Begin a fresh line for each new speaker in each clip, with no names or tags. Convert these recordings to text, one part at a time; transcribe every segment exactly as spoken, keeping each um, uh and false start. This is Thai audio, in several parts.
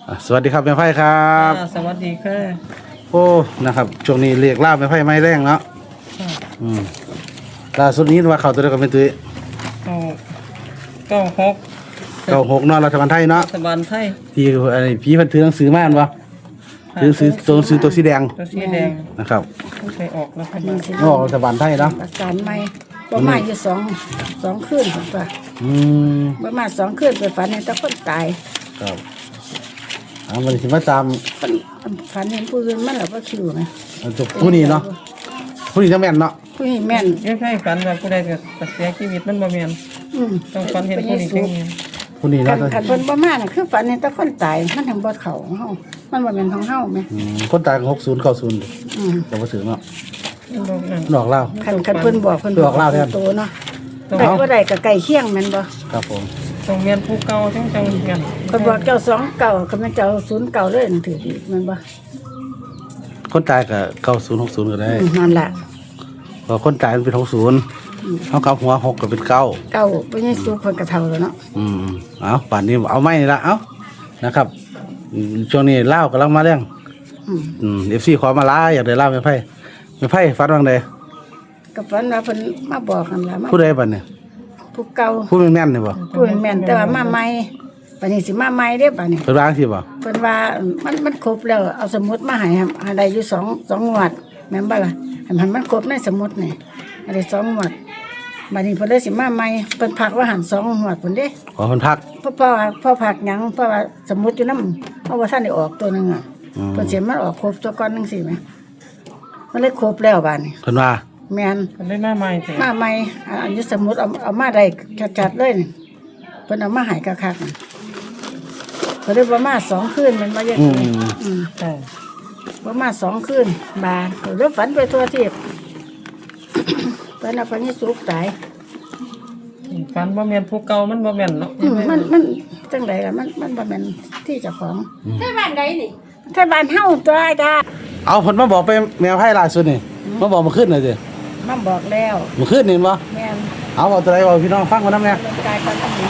อ่ะสวัสดีครับแม่ไพ่ครับ
อ่าสวัสดีค่ะ
โอ้นะครับช่วงนี้เรียกล่าแม่ไพ่ไม้แรงเนาะ
ค่ะ
อืมล่าสุดนี้ว่าเขาตัวเดียวกับเป็นตุ้ย
เอาเก้าหก
เก้าหกเนาะรัฐบาลไทยเนาะ
รัฐบาลไทย
ที่อะไรพี่เพันถือหนังสือมาอันวะถือหนังสือตัวหนังสือตัวสีแดง
ตัวสีแดง
นะครับ
ไม่เคยออกรัฐบา
นี่
ล
สิ
ออกรัฐบาลไทยเนาะ
อาการใหม่ประมาณอยู่สองสองคืนผมว่า
อืม
ประมาณสองคืนไปฝันเห็นแต่คนตาย
ครับเอามันสิมาตาม
ฝันฝันเห็นผู้อื่นมันหลับว่าคิวไหม
อันตัวผู้นี้เนาะผู้นี้จะแม่นเนาะ
ผู้นี้แม่น
ยังใช่ฝันว่าผู้ใดเกิดเสียชีวิตมันบ่แม่น
อืม
ต้องฝันเห็นผู้นี้จริง
ผู้นี้
คั
เนาะ
นคันเพิ่นประมาณน่ะคือฝันเห็นแต่คนตายมันทางบ่เข้าของเฮามันบ่แม่นของเฮาแหม
อืมคนตายหกศูนย์เก้าศูนย์
อืม
เราไปถึงเนาะ
มันบ่นั่น
ดอกเล่า
คันคันเพิ่นบอกเพิ่น
บอกเล่าแทน
โตเนาะได้บ่ได้ก็ใกล้เคียงแม่นบ่
ครับผม
ต้องแม่นผู้เก่าจังจังกัน
เพิ่นบอกเจ้าสองเก่าคันแม่นเจ้าศูนย์เก่าเลยนั่นถือดีแม่นบ่
คนตายกับเก้าศูนย์หกศูนย์ก็ได้
อืมนั่นล่ะ
เพราะคนตายมันเป็นหกศูนย์เขากับหัวหกก็เป็นเก้า
เก่าบ่ยังสูเพิ่นก็เท่าแล้วเนาะ
อืมเอาป่านนี้เอาไม่นี่ละเอานะครับอืมช่วงนี้เล่าวกำลังมาเรื่อง
อืม
อืมเอฟซีขอมาล้าอยากได้เล่าวไม่ไพ่ไม่ไพ่ฟัดวังใด
ก็ฝันว่าเพิ่นมาบอกกันล่ะมา
ผู้ใดบัดเนี่ย
ผู้เก่า
ผู้แม่นๆนี่บ่
ผู้แม่นแต่ว่ามาใหม่บัดนี้สิมาใหม่เด้บัดนี้
เพิ่นว่าจังซี่บ่
เพิ่นว่ามันมันครบแล้วเอาสมุดมาให้ครับให้ได้อยู่สองสองงวดแม่นบ่ล่ะให้มันมันครบในสมุดนี่ให้ได้สองงวดบัดนี้เพิ่นเลยสิมาใหม่เพิ่นพักว่าหันสองงวดพุ่นเด้
ขอเพิ่นพัก
เพราะเพราะว่าเพราะพักหยังเพราะว่าสมุดอยู่นำเพราะว่าท่านได้ออกตัวหนึงอ่ะ
อืม
เพิ่นสิมันออกครบตัวก่อนจังซี่แหมมันเลยครบแล้วบัดนี้
เพิ่นว่า
แม่น
มันได้มาใหม่แต่
มาใหม่อ่าอันนี้สมุดเอาเอามาได้จัดๆเลยนี่เพิ่นเอามาให้คักๆนี่เพิ่นได้ประมาณสองคืนแมันบ่เยอะ
อื
เลย
ม
อืม
ใช่
ประมาณสองคืนบาเพิ่นเลยฝันไปทั่วทิพย์ เพิ่นเอาไปนี่สุกตาย
ฝันบ่แม่นผู้เก่ามันบ่แม่นเนาะ
อืมมันมันจังไดล่ะมันมันบ่แม่นที่เจ้าของที่บ้านใดนี่ที่บ้านเฮาตัวไอ้ตา
เอาเพิ่นมาบอกไปแมวไพ่ล่าสุดนี่มาบอกมาขึ้นหน่อยสิ
มาบอกแล้ว
มาขึ้นนี่บ่
แม่น
เอาเอาตัวใดบอกพี่น้องฟังกันนำแน่
ลงกายกันทั้งนี้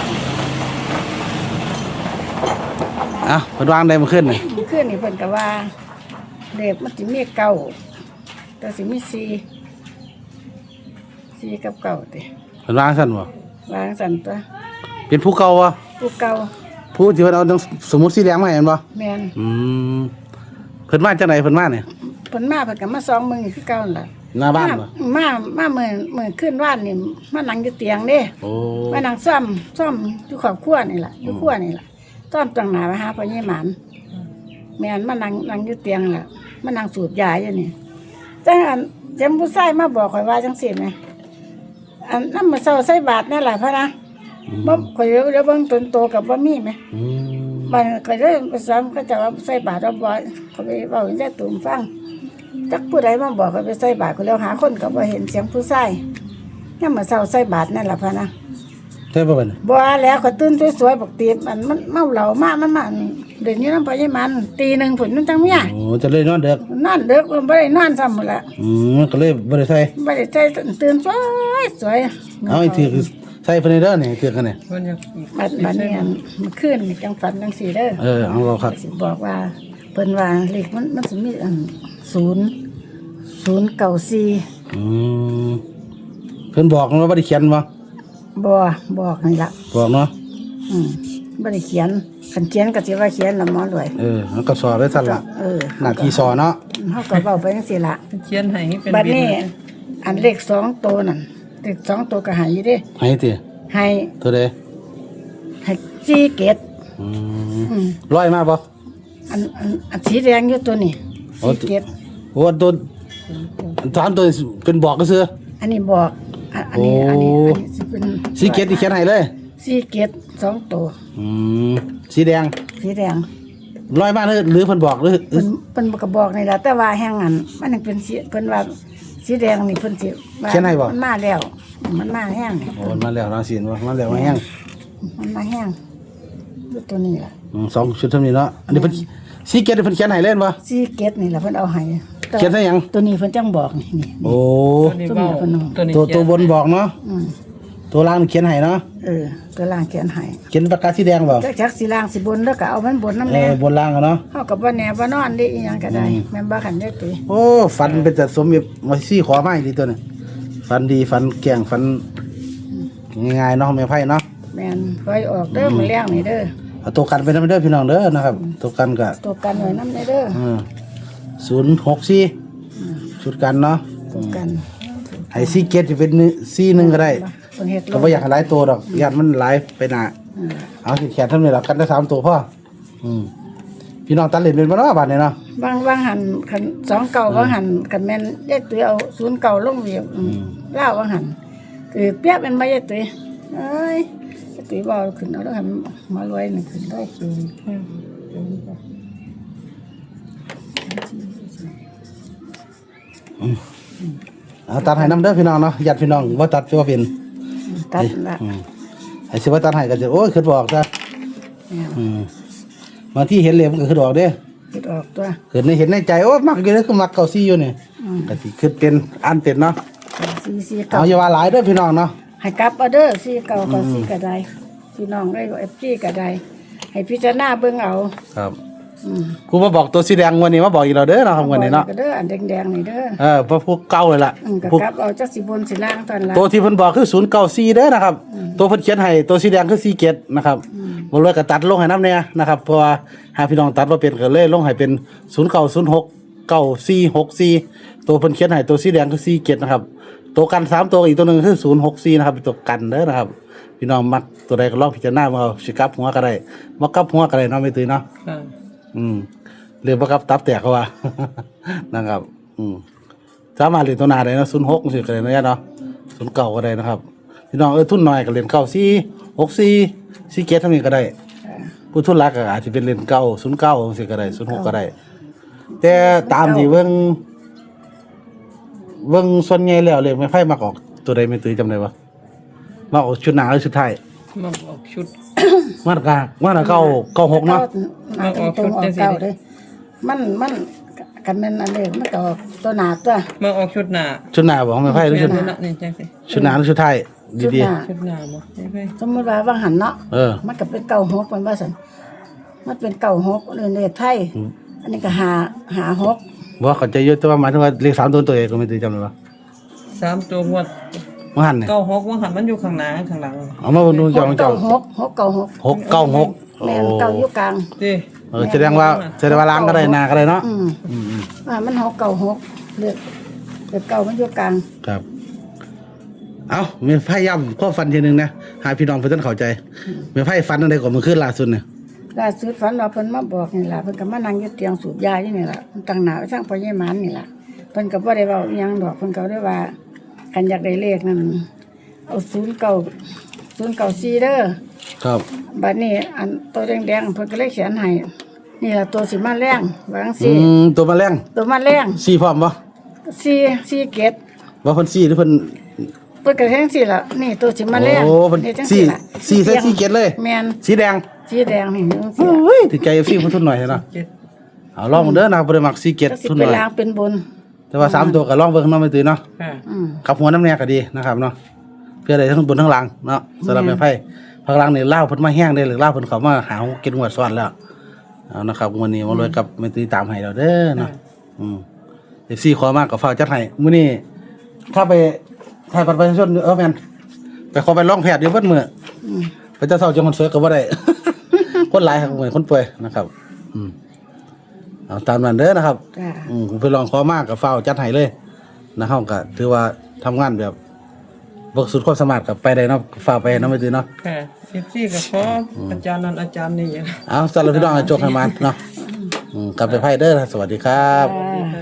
อ่ะเพิ่นวางได้มาขึ้นนี่
คืนนี่เพิ่นก็ว่าเลขมันสิมีเก้าแต่สิมีสี่สี่กับเก้าติ
เพิ่นวางซั่นบ่
วางสั่นตัว
เป็นผู้เก่าบ่
ผู้เก่า
ผู้ที่เพิ่นเอาหนังสมุดสีแดงมาให้แม่นบ่
แม่น
อืมเพิ่นมาจังไดเพิ่นมาเนี่ย
เพิ่นมาเพิ่นก็มาสองมื้อนี่คือเก่านั่นล่ะ
หน้าบ้านบ่
มามาเมื่อเมื่อขึ้นว่านนี่มานั่งอยู่เตียงเด้
โอ้
มานั่งซ่อมซ่อมอยู่ครอบครัวนี่ล่ะอยู่ครัวนี่ล่ะซ่อมตั้งหน้าไปหาพ่อใหญ่หมานแม่นมานั่งนั่งอยู่เตียงล่ะมานั่งสูบยาอยู่นี่จังอันจำผู้ชายมาบอกข่อยว่าจังซี่แหมอันนำมาเซาใส่บาตรนั่นล่ะพะนะบ่ข่อยเดี๋ยวเดี๋ยวเบิ่งตนโตกับบ่มีแหม
อืม
บ้านข่อยเลยไปซ้ำก็จะว่าใส่บาตรเอาบ่เขาไปเว้าให้ได้ตุ่มฟังจักผู้ใดมาบอกข่อยไปใส่บาตรก็แล้วหาคนก็บ่เห็นเสียงผู้ชายยามมื้อเช้าใส่บาตรนั่นล่ะพะนะ
ใช่ป่ะบัดนี้
บ่แล้วก็ตื่นสวยๆบอกตีมันมันเมาเหล้ามามันมาเดินอยู่นำพ่อใหญ่มันตีหนึ่งพุ่นมันจังเมีย
โอ้จะเลยนอนเด็ก
นอนดึกบ่ได้นอนซ้ำหมดละ
อืมมันก็เลยบ่ได้ใส่
บ่ได้ใส่ตื่นสวยสวย
เอาอีกทีคือใส่เพิ่นเด้อนี่คือกันนี่
เพิ่นอยาก
บัดบัดนี้อันเมื่อคืนนี่จังฝันจังซี่เด้อ
เออเอาเราครับ
สิบอกว่าเพิ่นว่าเลขมันมันสิมีอันศูนย์ ศูนย์เก้าสี่
อืมเพิ่นบอกว่าบ่ได้เขียนบ่
บ่บอกนี่ล่ะ
บอกเนาะ
อืมบ่ได้เขียนคันเขียนก็สิว่าเขียนละหมอรวย
เออมันก็สอบได้สั่นล่ะ
เออ
หน้าที่สอเนาะ
เฮาก็เว้าไปจังซี่ล่ะ
เขียนให้เป็น
บัด
บิน
นี้อันเลขสองตัวนั่นเลขสองตัวก็ใหายอยู่เด้
ให้ติ
ให้
ตัวใด
ให้จีเกต
อืม
อืม
ร้อยมาบ่
อันอันอันสีแดงอยู่ตัวนี้
โอ้
จีเกต
โอ้ตัวสามตัวเป็นบอกก็ซื่อ
อันนี้บอกอันอันนี้
โอ้
อันนี้อันนี้สิเป็น
สีเกตที่เขียนให้เลย
สีเกตสองตัว
อืมสีแดง
สีแดง
ร้อยมาหรือหรือเพิ่นบอกหรือ
เพิ่นเพิ่นก็บอกนี่ล่ะแต่ว่าแห้งอันมันยังเป็นสีเพิ่นว่าสีแดงนี่เพิ่นสิว่ามันมาแล้ว มันมาแห้งนี่
โอ้มันมาแล้วเนาะสิว่ามาแล้วมาแห้ง
มันมาแห้งอยู่ตัวนี้ล่ะ
อืมสองชุดเท่านี้เนาะอันนี้เพิ่นสีเกตเพิ่นเขียนให้เล่นบ่
สีเกตนี่ล่ะเพิ่นเอาให้แต่
เขียนได้หยัง
ตัวนี้เพิ่นจังบอกนี่นี่
โอ้
ตัวนี้เว้าตัวนี้
ตัว
เขียน
ตัวบนบอกเนาะ
อืม
ตัวล่างนี่เขียนให้เนาะ
เออตัวล่างเขียนให้
เขียนปากกาสีแดงบ่
จักจักสิล่างสิบนแล้วก็เอามันบนน้ำ
เอ
แน่
อบนล่างอะเนาะ
เฮากับบ่แน่บ่นอนได้อีหยังก็ได้แม่นบ่คันได้ตุย
โอ้ฟันเป็นแต่สมแบบมาซี่ขอไม้ดีตัวนี้ฟันดีฟันแกร่งฟันง่ายๆเนาะแม่ไพ่เนาะ
แม่นคอยออกเด้อมื้อแรงนี่เด้อ
เอาตัวกันไปนำเด้อพี่น้องเด้อนะครับตัวกันก็
ตัวกันไว้นำได้เด้อ
เออศูนย์หกสี่ชุดกันเนาะ
ตัวกัน
ไอ้ซี่เกตจะเป็นซี่หนึ่งก็ได้
เพิ่นเฮ็ด
ก็ไม่อยากให้หลายตัวดอกญาติมันหลายไปหนา
อืม
เอาแขนเท่านี้หรอกกันได้สามตัวพ่ออืมพี่น้องตัดเล่นเป็นบ้านบ้านเนี่ยเนาะ
บางบางหันคันสองเก่าบางหันคันแม่นยายตุ้ยเอาศูนย์เก่าลงเวียบอืมลาวบางหันคือเปียกเป็นบ่ยายตุ้ยเอ้ยยายตุ้ยบ่เอาขึ้นเอาแล้วให้มันมารวยนี่ขึ้นได้
อืมอืมอืม
เอาตัดให้น้ำเด้อพี่น้องเนาะญาติพี่น้องว่าตัดว่าเป็น
ตัดละ
อืมไอ้สิว่าตัดให้ก็จะโอ้ยขึ้นบอกจ้ะ
เนี่ย
อืมบางที่เห็นเลยมันก็ขึ้นออกเด้อ
คิดออกตัว
เกิดในเห็นในใจโอ้มักอยู่เลยคือมักเก่าซี่อยู่นี่
อืม
ก็สิขึ้นเป็นอันเป็นเนาะ
สี่สี่
เอา
เก่า
อย่าว่าหลายเด้อพี่น้องเนาะ
ให้กลับเอาเด้อสี่เก่าก็สี่ก็ได้พี่น้องได้เอฟซีก็ได้ให้พิจารณาเบิ่งเอา
ครับ
อืม
กูมาบอกตัวสีแดงวันนี้มาบอกอีกแล้วเด้อเนาะครับวันนี้เนาะ
ก็เด้ออันแดงๆนี่เด้อ
เออเพราะพวกเก่าเลยล่ะ
อืมก็
พวก
กลับเอาจักสิบนสิล่างตอนละ
ตัวที่เพิ่นบอกคือศูนย์เก้าสี่เด้อนะครับ ตัวเพิ่นเขียนให้ตัวสีแดงคือสี่เจ็ดนะครับบ่เลยก็ตัดลงให้น้ำเนี่ยนะครับเพราะว่าหาพี่น้องตัดบ่เป็นก็เลยลงให้เป็นศูนย์เก้าศูนย์หกเก้าสี่หกสี่ตัวเพิ่นเขียนให้ตัวสีแดงคือสี่เจ็ดนะครับตัวกันสามตัวอีกตัวหนึงคือศูนย์หกสี่นะครับเป็นตัวกันเด้อนะครับ พี่น้องมักตัวใดก็ลองพิจารณาเอาสิกลับหัวก็ได้บ่กลับหัวก็ได้เนาะไม่ตื่นเนาะ
ค่ะ
อืมเรียกว่าครับตับแตกเขาว่า นะครับ อืมสามารถเรียนตัวหนาได้นะศูนย์หกสิก็ได้นะเนาะศูนย์เก่าก็ได้นะครับพี่น้องเออทุนน้อยก็เรียนเก้าสี่หกสี่สี่เกตทั้งนี้ก็ได้ผู้ทุนรักก็อาจจะเป็นเรียนเก้าศูนย์เก้าสิก็ได้ศูนย์หกก็ได้ แต่ตามที่เบิ่งเบิ่งส่วนใหญ่แล้วเลยไม่ไพ่มาออกตัวใดไม่ตื้อจำได้ปะมาออกชุดหนาหรือชุดไทย
มาออกชุด
มาตรกามาตรเก้าเก้าหกเนาะ
มาตรงตรงๆออกเก่าเลยมันมันกันแม่นอันเด้มันก็ออกตัวหนาตัว
มาออกชุดหน้า
ชุดหนาบอกไม่ไพ่หรือชุด
ชุดหน้านี่จังสิ
ชุดหนาหรือชุดไทย
ชุด
ดี
หน้า
ชุดหน้าบ่ใช่ไหม
สมมุติว่าว่างหันเนาะ
ๆเออ
มันก็เป็นเก่าหกมันว่าซั่นมันเป็นเก่าหกเลยเลขไทยอันนี้ก็หาหาหก
บอกเขาใจเยอะแต่ว่าหมายถึงว่าเลขสามตัวตัวเองก็ไม่ตีจำเลยว่า
สามตัวงวด
มันหันเนี่ย
เก้าหกว่าหันมันอยู่ข้างหน้าข้างหลัง
เอามาดูจองจ
เก่า
อง
หกหกเก่าหก
หกเก้าหกโอ้
แม่นเก่าอยู่กลาง
ดิ
เออแสดงว่าแสดงว่าล้างก็ได้นาก็ได้เนาะ
อืม
อืมอืม
ว่ามันหกเก่าหกเลขเลขเก่ามันอยู่กลาง
ครับ เอามีไพ่ย่ำข้อฟันทีหนึงนะหาพี่น้องเพื่อนเข้าใจมีไพ่ฟันอะไรก่อนมันขึ้นล่าสุดเนี่ย
ล่าสุดฝันว่าเพิ่นมาบอกนี่ล่ะเพิ่นก็มานั่งอยู่เตียงสูบยาอยู่นี่ล่ะเพิ่นตั้งหน้าไว้ทางพ่อใหญ่หมันนี่ล่ะเพิ่นก็บ่ได้เว้าอิหยังดอกเพิ่นก็ได้ว่ากันอยากได้เลขนั่นเอาศูนย์เก้าศูนย์เก้าสี่เด้อ
ครับ
บัดนี้อันตัวแดงๆเพิ่นก็เลยเขียนให้นี่ล่ะตัวสิมาแรงว่าจัง
อื
ซี่
มตัวแมาแรง
ตัวมาแรง
สี่พร้อมปะ
สี่สี่เกต
ว่าเพิ่นสี่หรือเพิ่น
เพิ่นก็แทงสี่ล่ะนี่ตัวสิมาแรง
โอ้เพิ่น
ฮ็ดจัง
สี่
ล่ะ
สี่ใส่สี่เกตเลย
แม่น
สีแดง
สีแดงนี่จังซี่
เฮ้ยถือใจพี่เพิ่นทุนหน่อยเนาะ
เจ็ด
เอาลองเด้อนะบ่ได้มักสี่เกต
จักสิ
ทุนห
เป็น
น่อย
ลางเป็นบน
แต่ว่าสามตัวก็ลองเบิ่งเนาะไม่ตื่นเนาะ
ค่ะ
อืม
กับหัวน้ำแน่ก็ดีนะครับเนาะเพื่อได้ทั้งบนทั้งหลังเนาะสำหรับแม่ไพ่พักหลังนี่เล่าวเพิ่นมาแห้งได้หรือเล่าวเพิ่นเขามาหาเก็บงวดซ้อนแล้วเอานะครับวันนี้มาเลยกับแม่ตีตามให้เราเด้อเนาะอืมเอฟซีขอมากก็ฝากจัดให้มื้อนี้ถ้าไปถ่ายบัตรประชาชนเออแม่นไปขอไปร้องแพทย์อยู่เบิดมื้อ
อืม
ไปเจะเศร้าจังคนสวยก็บ่ได้ คนหลายครับเหมือนคนป่วยนะครับ อืมเอาตามนั้นเด้อนะครับ
จ้า
อืมผมไปลองขอมากกับเฝ้าวจัดให้เลยนะเฮาก็ถือว่าทำงานแบบบ่สุดความสามารถกับไปได้เนาะฝ้าวไปเนาะไม่ตื่นเนาะ
ค่ะเอฟซีก็ขออาจารย์นั้นอาจารย์นี่อย่าง
เอาสำหรับพี่น้องให้โชคให้มันเนาะอืมกลับไปไพ่เด้อสวัสดีครับ
จ้า